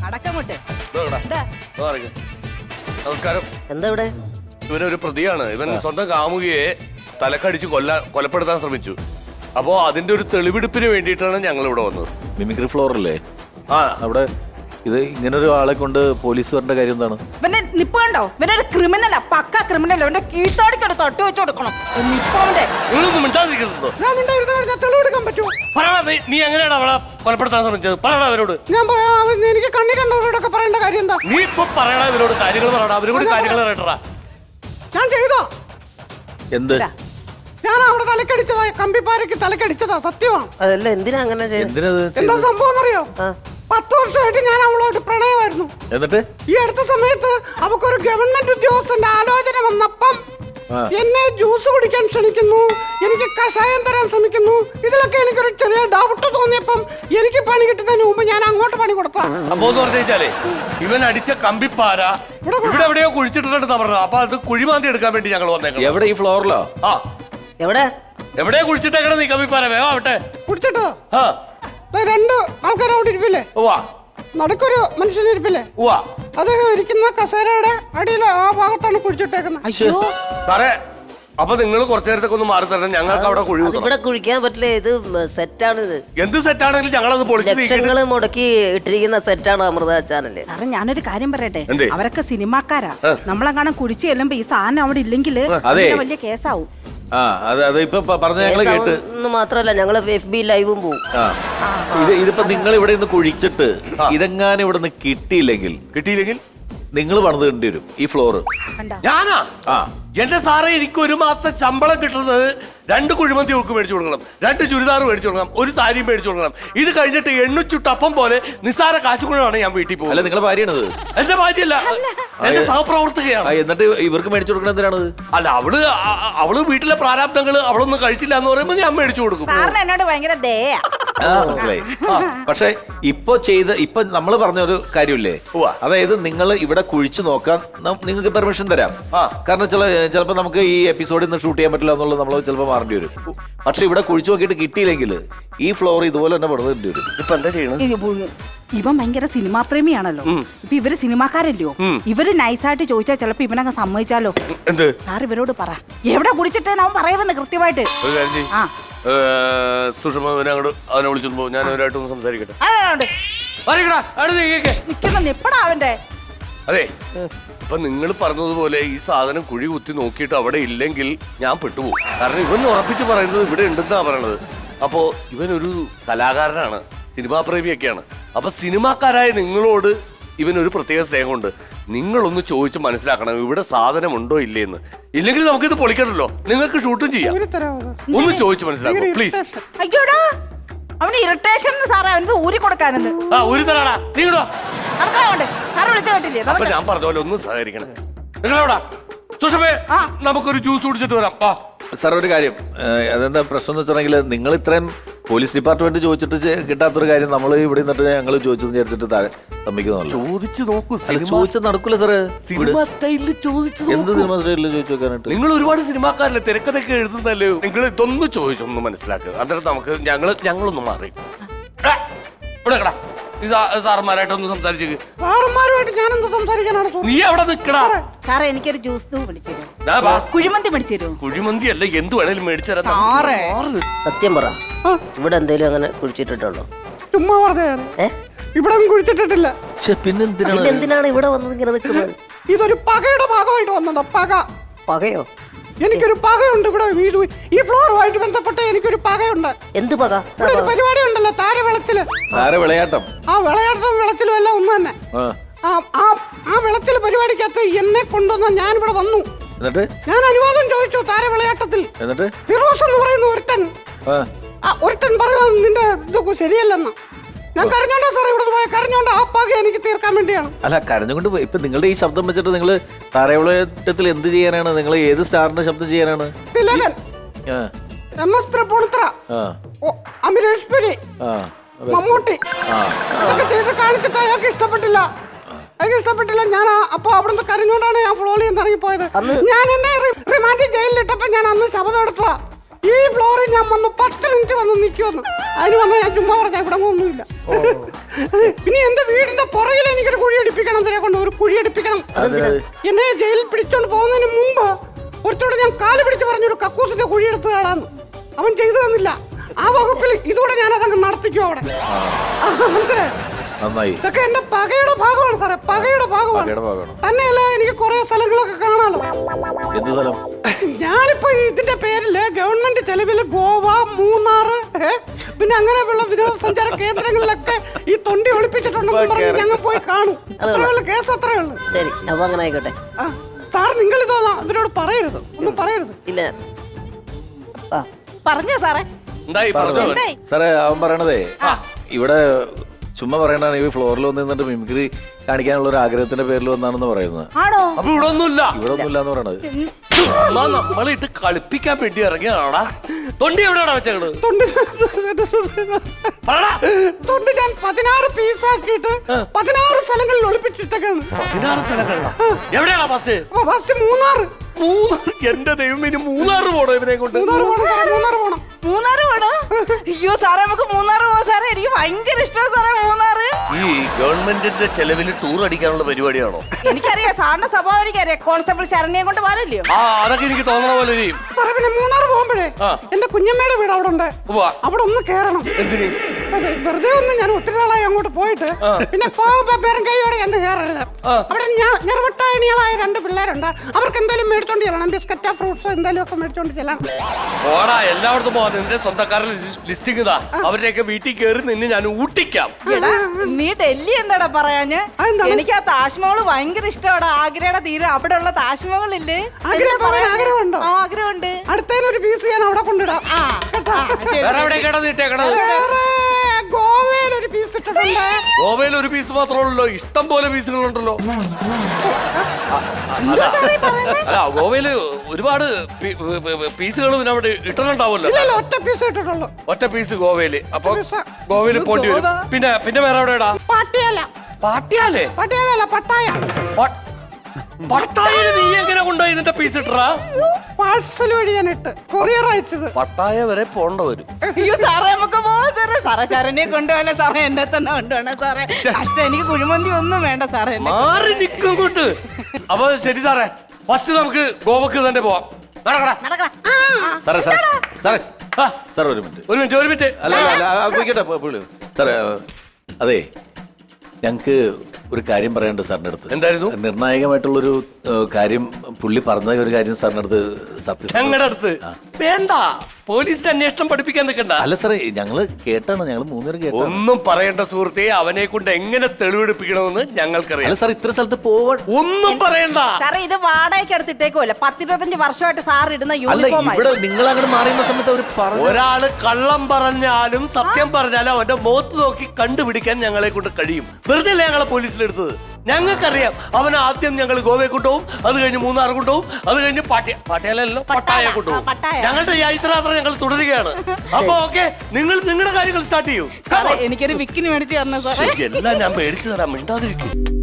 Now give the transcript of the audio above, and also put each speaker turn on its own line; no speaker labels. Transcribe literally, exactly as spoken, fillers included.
അടക്കമുട്ട്.
നമസ്കാരം.
എന്താ ഇവിടെ?
ഇവനൊരു പ്രതിയാണ്. ഇവൻ സ്വന്തം കാമുകിയെ തലക്കടിച്ച് കൊല്ല കൊലപ്പെടുത്താൻ ശ്രമിച്ചു. അപ്പോ അതിന്റെ ഒരു തെളിവെടുപ്പിന് വേണ്ടിയിട്ടാണ് ഞങ്ങൾ ഇവിടെ വന്നത്.
മിമിക്രി ഫ്ലോർ അല്ലേ?
ആ, അവിടെ
ഇത് ഇങ്ങനെ ഒരു ആളെ കൊണ്ട് പോലീസ് വരേണ്ട കാര്യം എന്താണ്?
ഇവന്റെ നിപ്പ് കണ്ടോ? ഇവനൊരു ക്രിമിനലാ, പക്ക ക്രിമിനൽ. ഇവന്റെ കീഴ്ത്തോടിക്കൊരു തൊട്ട് വെച്ച് കൊടുക്കണം. നിപ്പവന്റെ
നീ എങ്ങനെയാണ് അവളെ കൊലപ്പെടുത്താൻ ശ്രമിച്ചത്? പറയണ അവരോട്.
ഞാൻ പറയാം, എനിക്ക് കണ്ണി കണ്ടവരോടൊക്കെ പറയേണ്ട കാര്യം എന്താ?
നീ ഇപ്പൊ പറയണ അവരോട് കാര്യങ്ങൾ പറയണ അവരോട് കാര്യങ്ങൾ പറയട്ടാ.
ഞാൻ ചെയ്തോ?
എന്ത്?
ഞാൻ അവിടെ തലക്കടിച്ചതാ, കമ്പിപ്പാരക്ക് തലക്കടിച്ചതാ, സത്യമാണ്.
അതല്ല, എന്തിനാ അങ്ങനെ
എന്താ സംഭവം എന്നറിയോ? പത്ത് വർഷമായിട്ട് ഞാൻ അവളോട് പ്രണയമായിരുന്നു.
എന്നിട്ട്
ഈ അടുത്ത സമയത്ത് അവക്കൊരു ഗവൺമെന്റ് ഉദ്യോഗസ്ഥന്റെ ആലോചന വന്നപ്പം എന്നെ ജ്യൂസ് കുടിക്കാൻ ക്ഷണിക്കുന്നു, എനിക്ക് കഷായം തരാൻ ശ്രമിക്കുന്നു. ഇതിലൊക്കെ എനിക്കൊരു ചെറിയ ഡൗട്ട് തോന്നിയപ്പം എനിക്ക് പണി കിട്ടുന്നതിന് മുമ്പ് ഞാൻ അങ്ങോട്ട് പണി കൊടുത്താ.
അപ്പോ പറഞ്ഞാലേ ഇവൻ അടിച്ച കമ്പിപ്പാര ഇവിടെ എവിടെയോ കുഴിച്ചിട്ടുണ്ടെന്ന് പറഞ്ഞു. അപ്പൊ അത് കുഴിമാന്തി എടുക്കാൻ വേണ്ടി ഞങ്ങൾ വന്നേക്കാം.
എവിടെ? ഈ ഫ്ലോറിലോ?
ആ,
എവിടെ
എവിടെയാ കുഴിച്ചിട്ടേക്കണ നീ കമ്പിപ്പാര? വേഗം ആവട്ടെ.
കുടിച്ചിട്ടോ?
ആ,
രണ്ട് ആൾക്കാർ അവിടെ ഇരിപ്പില്ലേ?
ഉവ്വ
നടക്കൊരു മനുഷ്യൻ ഇരിപ്പില്ലേ?
ഉവ്വ.
അദ്ദേഹം ഇരിക്കുന്ന കസേരയുടെ അടിയിൽ ആ ഭാഗത്താണ് കുഴിച്ചിട്ടേക്കുന്നത്.
അയ്യോ
സാറേ, അപ്പൊ നിങ്ങൾ കുറച്ചു നേരത്തേക്ക് ഒന്ന് മാറി തരണം. ഞങ്ങൾക്ക് അവിടെ കുഴി കുത്തണം.
ഇവിടെ കുഴിക്കാൻ പറ്റില്ല, ഇത് സെറ്റാണിത്.
എന്ത് സെറ്റാണെങ്കിലും ഞങ്ങളത് പൊളിച്ച്
ലക്ഷങ്ങള് മുടക്കി ഇട്ടിരിക്കുന്ന സെറ്റാണ് അമൃത ചാനല്.
സാറേ, ഞാനൊരു കാര്യം പറയട്ടെ.
എന്തേ?
അവരൊക്കെ സിനിമാക്കാരാ. നമ്മളെങ്ങാനും കുടിച്ച് ചെല്ലുമ്പോ ഈ സാധനം അവിടെ ഇല്ലെങ്കിൽ വലിയ കേസാവും.
ആ, അത് അത് ഇപ്പൊ പറഞ്ഞ ഞങ്ങള് കേട്ട്.
മാത്രല്ല, ഞങ്ങള് എഫ് ബി ലൈവും പോവും.
ഇത് ഇതിപ്പോ നിങ്ങൾ ഇവിടെ നിന്ന് കുഴിച്ചിട്ട് ഇതെങ്ങാനും ഇവിടെ നിന്ന് കിട്ടിയില്ലെങ്കിൽ
കിട്ടിയില്ലെങ്കിൽ
നിങ്ങൾ പണിത് കണ്ടി വരും ഈ ഫ്ലോറ്.
ഞാനാ?
ആ,
എന്റെ സാറേ, എനിക്ക് ഒരു മാസത്തെ ശമ്പളം കിട്ടുന്നത് രണ്ട് കുഴിമന്തി ഉൾക്ക് മേടിച്ചു കൊടുക്കണം, രണ്ട് ചുരിദാർ മേടിച്ചു കൊടുക്കണം, ഒരു സാരിയും മേടിച്ചു കൊടുക്കണം. ഇത് കഴിഞ്ഞിട്ട് എണ്ണുച്ചുട്ടപ്പം പോലെ നിസ്സാര കാശ് കൊണ്ടാണ് ഞാൻ വീട്ടിൽ പോകുന്നത്.
അല്ല, നിങ്ങളെ ഭാര്യയാണത്?
എന്റെ ഭാര്യയല്ല, എന്റെ സഹപ്രവർത്തകയാണ്.
എന്നിട്ട് ഇവർക്ക് മേടിച്ചു കൊടുക്കണം എന്തിനാണ്?
അല്ല, അവള് അവള് വീട്ടിലെ പ്രാരാബ്ദങ്ങള് അവളൊന്നും കഴിച്ചില്ല എന്ന് പറയുമ്പോ ഞാൻ മേടിച്ചു കൊടുക്കും.
സാറിന് എന്നോട് ഭയങ്കര ദയ.
മനസ്സിലായി. പക്ഷെ ഇപ്പൊ ചെയ്ത ഇപ്പൊ നമ്മൾ പറഞ്ഞ ഒരു കാര്യമില്ലേ, അതായത് നിങ്ങൾ ഇവിടെ കുഴിച്ചു നോക്കാൻ നിങ്ങൾക്ക് പെർമിഷൻ തരാം. കാരണം ചില ചിലപ്പോ നമുക്ക് ഈ എപ്പിസോഡിൽ നിന്ന് ഷൂട്ട് ചെയ്യാൻ പറ്റില്ല എന്നുള്ളത് നമ്മൾ ചിലപ്പോൾ മാറേണ്ടി വരും. പക്ഷെ ഇവിടെ കുഴിച്ചു നോക്കിയിട്ട് കിട്ടിയില്ലെങ്കിൽ ഈ ഫ്ലോർ ഇതുപോലെ തന്നെ പണിതേണ്ടി വരും.
ഇപ്പൊ എന്താ ചെയ്യണം?
ഇവൻ ഭയങ്കര സിനിമാ പ്രേമിയാണല്ലോ. ഇപ്പൊ ഇവര് സിനിമാക്കാരല്ലോ. ഇവര് നൈസായിട്ട് ചോദിച്ചാൽ ചിലപ്പോ ഇവനങ്ങ് സമ്മതിച്ചാലോ.
എന്ത്?
സാർ ഇവരോട് പറ, എവിടെ കുടിച്ചിട്ടേന്ന് അവൻ പറയുമെന്ന് കൃത്യമായിട്ട്. ആ,
സുഷമനോട് അവനെ വിളിച്ചോ, ഞാൻ അവരായിട്ടൊന്ന് സംസാരിക്കട്ടെ.
നിക്കുന്ന നിപ്പടാ അവന്റെ.
അതെ, ഇപ്പൊ നിങ്ങൾ പറഞ്ഞതുപോലെ ഈ സാധനം കുഴി കുത്തി നോക്കിയിട്ട് അവിടെ ഇല്ലെങ്കിൽ ഞാൻ പെട്ടുപോകും. കാരണം ഇവൻ ഉറപ്പിച്ച് പറയുന്നത് ഇവിടെ ഉണ്ടെന്നാ പറയണത്. അപ്പോ ഇവനൊരു കലാകാരനാണ്, സിനിമാ പ്രേമിയൊക്കെയാണ്. അപ്പൊ സിനിമാക്കാരായ നിങ്ങളോട് ഇവനൊരു പ്രത്യേക സ്നേഹമുണ്ട്. നിങ്ങളൊന്ന് ചോദിച്ച് മനസ്സിലാക്കണം ഇവിടെ സാധനം ഉണ്ടോ ഇല്ലേന്ന്. ഇല്ലെങ്കിൽ നമുക്കിത് പൊളിക്കണല്ലോ, നിങ്ങൾക്ക് ഷൂട്ടും ചെയ്യാം. ഒന്ന് ചോദിച്ച് മനസ്സിലാക്കണം പ്ലീസ്.
അയ്യോടാ, അവന് ഇറിറ്റേഷൻ സാറേ, അവന് ഊരി കൊടുക്കാനെന്ന്.
ആ, ഊരി തരാടാ. നീങ്ങടോ.
സാറ് വിളിച്ച കേട്ടില്ലേ?
അപ്പൊ ഞാൻ പറഞ്ഞ പോലെ ഒന്ന് സഹകരിക്കണം. നിങ്ങളെവിടാ? സുഷമേ, നമുക്കൊരു ജ്യൂസ് കുടിച്ചിട്ട് വരാം.
സാർ, ഒരു കാര്യം, അതെന്താ പ്രശ്നം എന്ന് വെച്ചിട്ടുണ്ടെങ്കിൽ നിങ്ങൾ ഇത്രയും പോലീസ് ഡിപ്പാർട്ട്മെന്റ് ചോദിച്ചിട്ട് കിട്ടാത്തൊരു കാര്യം നമ്മൾ ഇവിടെ നിന്നിട്ട് ഞങ്ങൾ ചോദിച്ചെന്ന് വിചാരിച്ചിട്ട് താഴെ സമ്മതിക്കുന്നുള്ളൂ.
ചോദിച്ചു നോക്കൂ.
ചോദിച്ചത് നടക്കൂല സാറ്.
സിനിമ സ്റ്റൈലിൽ ചോദിച്ചു.
എന്ത് സിനിമ സ്റ്റൈലിൽ ചോദിച്ചു നോക്കാനായിട്ട്?
നിങ്ങൾ ഒരുപാട് സിനിമാക്കാരല്ലേ, തിരക്കഥയൊക്കെ എഴുതുന്നല്ലേ. നിങ്ങൾ ഇതൊന്ന് ചോദിച്ചൊന്ന് മനസ്സിലാക്കുക. അന്നേരം നമുക്ക് ഞങ്ങള് ഞങ്ങളൊന്ന് മാറി ഇവിടെ കടാ. സാറന്മാരായിട്ടൊന്ന് സംസാരിച്ചു.
സാറന്മാരുമായിട്ട് ഞാൻ എന്താ സംസാരിക്കാനാണ്?
നീ അവിടെ നിൽക്കടാ.
സാറേ, എനിക്കൊരു ജ്യൂസ് മേടിച്ചു കുഴിമന്തി മേടിച്ചു തരുമോ?
കുഴിമന്തി അല്ല, എന്ത് വേണേലും മേടിച്ചു തരാം.
സത്യം പറ, ഇവിടെ എന്തേലും അങ്ങനെ കുഴിച്ചിട്ടുണ്ടോ?
ചുമ്മാ പറഞ്ഞ ഇവിടെ കുഴിച്ചിട്ടിട്ടില്ല.
പിന്നെന്തിനാണ് എന്തിനാണ് ഇവിടെ വന്നത് ഇങ്ങനെ നിൽക്കുന്നത്?
ഇതൊരു പകയുടെ ഭാഗമായിട്ട് വന്നതാ. പക.
പകയോ?
എനിക്കൊരു പകയുണ്ട് ഇവിടെ. ഈ ഫ്ലോറുമായിട്ട് ബന്ധപ്പെട്ട് എനിക്കൊരു പകയുണ്ട്.
എന്ത് പക?
ഇവിടെ ഒരു പരിപാടി ഉണ്ടല്ലോ, താര വിളച്ചില്.
താര വിളയാട്ടം.
ആ വിളയാട്ടം വിളച്ചിലും എല്ലാം ഒന്ന് തന്നെ. ആ വിളച്ചില് പരിപാടിക്കകത്ത് എന്നെ കൊണ്ടുവന്ന ഞാൻ ഇവിടെ വന്നു.
എന്നിട്ട്
ഞാൻ അനുവാദം ചോദിച്ചു താര വിളയാട്ടത്തിൽ.
എന്നിട്ട്
ഫിറോസ് എന്ന് പറയുന്ന ഒരുത്തൻ ഒരുത്തൻ പറയുക നിന്റെ ഇതൊക്കെ ശരിയല്ലെന്ന്. ഞാൻ കരഞ്ഞോണ്ടാ സാർ ഇവിടെ പോയ കരഞ്ഞോണ്ട് ആ പക എനിക്ക് തീർക്കാൻ വേണ്ടിയാണ്.
അല്ല, കരഞ്ഞുകൊണ്ട് ഇപ്പൊ നിങ്ങളുടെ ഈ ശബ്ദം വെച്ചിട്ട് നിങ്ങൾ താരവിളയത്തിൽ എന്ത് ചെയ്യാനാണ്? നിങ്ങൾ ഏത് സ്റ്റാറിന്റെ ശബ്ദം ചെയ്യാനാണ്?
തിലകൻ, എം എസ് തൃപ്പൂണിത്തുറ, അമരീഷ് പുരി, മമ്മൂട്ടി ഇതൊക്കെ ചെയ്ത് കാണിച്ചിട്ട് അയാൾക്ക് ഇഷ്ടപ്പെട്ടില്ല. അയാൾക്ക് ഇഷ്ടപ്പെട്ടില്ല. ഞാൻ അപ്പൊ അവിടുന്ന് കരഞ്ഞോണ്ടാണ് ഞാൻ ഫ്ലോളിൽ നിന്ന് ഇറങ്ങിപ്പോയത്. ഞാൻ എന്നെ റിമാൻഡ് ജയിലിലിട്ടപ്പോ ഞാൻ അന്ന് ശബ്ദം എടുത്തതാ. ഈ ഫ്ലോറിൽ ഞാൻ വന്ന് പത്ത് മിനിറ്റ് വന്ന് നിൽക്കുമെന്ന്. അതിന് വന്നാൽ ഞാൻ ചുമ്മാ പറഞ്ഞ ഇവിടെ ഒന്നുമില്ല. പിന്നെ എന്റെ വീടിന്റെ പുറകിൽ എനിക്കൊരു കുഴി അടിപ്പിക്കണം. ഇതിനെ കൊണ്ട് ഒരു കുഴി അടിപ്പിക്കണം. എന്നെ ജയിലിൽ പിടിച്ചോണ്ട് പോകുന്നതിന് മുമ്പ് ഒരുത്തോടെ ഞാൻ കാല് പിടിച്ച് പറഞ്ഞൊരു കക്കൂസിന്റെ കുഴി എടുത്ത് കാണാന്ന്. അവൻ ചെയ്തു തന്നില്ല. ആ വകുപ്പിൽ ഇതുകൂടെ ഞാൻ അതങ്ങ് നടത്തിക്കും അവിടെ. മനസ്സിലായി?
നന്നായി.
ഇതൊക്കെ എന്റെ പകയുടെ ഭാഗമാണ് സാറേ, പകയുടെ ഭാഗമാണ്. തന്നെയല്ല എനിക്ക് കുറെ സ്ഥലങ്ങളൊക്കെ കാണാലോ.
എന്ത് സ്ഥലം?
ഞാനിപ്പോ ഇതിന്റെ പേരില് ഗവൺമെന്റ് ചെലവില് ഗോവ, മൂന്നാറ്, പിന്നെ അങ്ങനെയുള്ള വിനോദസഞ്ചാര കേന്ദ്രങ്ങളിലൊക്കെ ഈ തൊണ്ടി ഒളിപ്പിച്ചിട്ടുണ്ടെന്ന് പറഞ്ഞ് ഞങ്ങൾ പോയി കാണും. അത്രയുള്ള കേസ് അത്രേ ഉള്ളു.
ശരി, അപ്പൊ അങ്ങനെ ആയിക്കോട്ടെ.
സാർ നിങ്ങൾ ഇതോ ഇതിനോട് പറയരുത്, ഒന്നും പറയരുത്.
ഇല്ല.
പറഞ്ഞോ സാറേ.
എന്തായി പറഞ്ഞോ?
സാറേ അവൻ പറയണതേ ഇവിടെ ചുമ്മാ പറയണ ഈ ഫ്ലോറിൽ വന്ന് നിന്നിട്ട് മിമിക്രി കാണിക്കാനുള്ള ഒരു ആഗ്രഹത്തിന്റെ പേരിൽ വന്നാണെന്ന് പറയുന്നത്.
ആണോ?
അപ്പൊ ഇവിടെ ഒന്നുമില്ല.
ഇവിടെ ഒന്നുമില്ല എന്ന് പറയണത്.
ചുമ്മാ നമ്മളിട്ട് കളിപ്പിക്കാൻ വേണ്ടി ഇറങ്ങിയാണോടാ? തൊണ്ടി എവിടെയാണോ വെച്ചത്?
തൊണ്ടി തൊണ്ടി ഞാൻ പതിനാറ് പീസാക്കിയിട്ട് പതിനാറ് സ്ഥലങ്ങളിൽ ഒളിപ്പിച്ചിട്ടൊക്കെയാണ്.
പതിനാറ് സ്ഥലങ്ങളിലാ? എവിടെയാണോ ബസ്?
ഫസ്റ്റ് മൂന്നാറ്.
മൂന്നാറ്? എന്റെ ദൈവം, ഇനി മൂന്നാറ് പോണോ ഇവനെ കൊണ്ട്?
മൂന്നാറ് പോണം സാറേ, മൂന്നാറ് പോണം.
മൂന്നാറ് പോണോ? അയ്യോ സാറേ, നമുക്ക് മൂന്നാറ് പോവാ സാറേ. എനിക്ക് ഭയങ്കര ഇഷ്ടമാണ് സാറേ മൂന്നാറ്.
ഈ ഗവൺമെന്റിന്റെ ചെലവിൽ ടൂർ അടിക്കാനുള്ള പരിപാടിയാണോ?
എനിക്കറിയാം, സാറിന്റെ സ്വഭാവം എനിക്കറിയാം. കോൺസ്റ്റബിൾ ശരണ്യെ കൊണ്ട് പാടില്ലയോ?
ആ, അതൊക്കെ എനിക്ക് തോന്നണ പോലെ ഇരിക്കും.
സാറേ പിന്നെ മൂന്നാറ് പോകുമ്പോഴേ എന്റെ കുഞ്ഞമ്മയുടെ വീട് അവിടെ ഉണ്ട്. അവിടെ ഒന്ന് കേറണം.
എന്തിന്?
വെറുതെ ഒന്ന് ഞാൻ ഒത്തിരി നാളായി അങ്ങോട്ട് പോയിട്ട് പിന്നെ പോകുമ്പോ പേരും കൈയോടെ എന്ത് കയറരുത്. അവിടെ ഞെറുവട്ടായണികളായ രണ്ട് പിള്ളേരുണ്ട്. അവർക്ക് എന്തായാലും മേടിച്ചോണ്ട് ചെല്ലണം. ബിസ്ക്കറ്റോ ഫ്രൂട്ട്സോ എന്തായാലും ഒക്കെ മേടിച്ചോണ്ട് ചെല്ലണം.
ഓടാ, എല്ലായിടത്തും പോവാ. നിന്റെ സ്വന്തക്കാരുടെ ലിസ്റ്റിംഗ് ഇതാ. അവരുടെയൊക്കെ വീട്ടിൽ കയറി നിന്നെ ഞാൻ ഊട്ടിക്കാം.
നീ ഡൽഹി എന്താടാ പറയാന്? എനിക്ക് ആ താജ്മഹൽ ഭയങ്കര ഇഷ്ടമാണ്. ആഗ്രയുടെ തീരെ അവിടെ ഉള്ള താജ്മഹൽ ഇല്ലേ?
ആഗ്രഹമുണ്ടോ?
ആഗ്രഹമുണ്ട്.
അടുത്തതിനൊരു പീസ് ഞാൻ അവിടെ കൊണ്ടിടാം.
വേറെ എവിടെ കിടന്ന് ഇട്ടേക്കണത്?
ഗോവയിൽ ഒരു പീസ് ഇട്ടിട്ടുണ്ട്.
ഗോവയിൽ ഒരു പീസ് മാത്രമല്ലോ, ഇഷ്ടം പോലെ പീസുകളുണ്ടല്ലോ. അല്ല, ഗോവയില് ഒരുപാട് പീസുകൾ പിന്നെ അവിടെ ഇട്ടിട്ടുണ്ടാവുമല്ലോ.
ഒറ്റ പീസ് ഇട്ടിട്ടുള്ളൂ.
ഒറ്റ പീസ് ഗോവയില്. അപ്പൊ ഗോവയിൽ പോണ്ടി വരും. പിന്നെ പിന്നെ വേറെ എവിടെയാടാ?
പാട്ടിയാല.
പാട്ടിയാലേ?
പാട്ടിയാലല്ല, പട്ടായ.
പട്ടായ നീ എങ്ങനെ കൊണ്ടുപോയി ഇതിന്റെ പീസ് ഇട്ടറാ?
പാഴ്സൽ വഴി ഞാൻ ഇട്ട് കൊറിയർ അയച്ചത്.
പട്ടായ വരെ പോണ്ട വരും.
അയ്യോ സാറേ, നമുക്ക് പോവാം സാറേ. സാറേ ശരണ്യെ കൊണ്ടുപോകണേ സാറേ, എന്നെ തന്നെ കൊണ്ടുപോകണേ സാറേ. കഷ്ടം, എനിക്ക് കുഴിമന്തി ഒന്നും വേണ്ട സാറേ.
മാറി നിൽക്കും കൂട്ട്. അപ്പൊ ശരി സാറേ, ഫസ്റ്റ് നമുക്ക് ഗോവക്ക് തന്നെ പോവാം.
സാറേ സാറേ സാറേ സാർ ഒരു മിനിറ്റ്
ഒരു മിനിറ്റ് ഒരു മിനിറ്റ്
അല്ല അല്ല പോയിക്കോട്ടെ പുള്ളി. സാറേ അതെ, ഞങ്ങക്ക് ഒരു കാര്യം പറയാനുണ്ട് സാറിന്റെ അടുത്ത്.
എന്തായിരുന്നു?
നിർണായകമായിട്ടുള്ളൊരു കാര്യം പുള്ളി പറഞ്ഞ ഒരു കാര്യം സാറിന്റെ അടുത്ത്. സത്യം
ഞങ്ങളുടെ അടുത്ത് വേണ്ട, പോലീസിന്റെ അന്വേഷണം പഠിപ്പിക്കാൻ നിൽക്കണ്ട.
അല്ല സാറേ, ഞങ്ങള് കേട്ടാണ്, ഞങ്ങൾ മൂന്നുപേരും കേട്ടു.
ഒന്നും പറയേണ്ട സുഹൃത്തെ, അവനെ കൊണ്ട് എങ്ങനെ തെളിവെടുപ്പിക്കണമെന്ന് ഞങ്ങൾക്കറിയാം.
അല്ല സാർ, ഇത്ര സ്ഥലത്ത് പോവാൻ
ഒന്നും പറയണ്ട
സാറേ. ഇത് വാടകയ്ക്ക് എടുത്തിട്ടേക്കുമല്ലേ? പത്തിരുപത്തഞ്ച് വർഷമായിട്ട് സാർ ഇടുന്ന
അല്ല,
യൂണിഫോം.
ഇവിടെ നിങ്ങൾ അങ്ങോട്ട് മാറിയുന്ന സമയത്ത് അവർ പറഞ്ഞു.
ഒരാള് കള്ളം പറഞ്ഞാലും സത്യം പറഞ്ഞാലും അവന്റെ മുഖത്ത് നോക്കി കണ്ടുപിടിക്കാൻ ഞങ്ങളെ കൊണ്ട് കഴിയും. വെറുതെ അല്ലേ ഞങ്ങളെ പോലീസിലെടുത്തത്? ഞങ്ങൾക്കറിയാം. അവൻ ആദ്യം ഞങ്ങൾ ഗോവയെ കൊണ്ടുപോകും, അത് കഴിഞ്ഞ് മൂന്നാർ കൊണ്ടുപോകും, അത് കഴിഞ്ഞ് പാട്യ പാട്യാലല്ലോ പട്ടായ കൊണ്ടുപോകും. ഞങ്ങളുടെ യാത്ര ഞങ്ങൾ തുടരുകയാണ്. അപ്പൊ ഓക്കെ, നിങ്ങൾ നിങ്ങളുടെ കാര്യങ്ങൾ സ്റ്റാർട്ട് ചെയ്യൂ.
എനിക്കൊരു വിക്കിന് മേടിച്ച് തരണം സാറേ.
എല്ലാം ഞാൻ മേടിച്ചു തരാം, മിണ്ടാതിരിക്കും.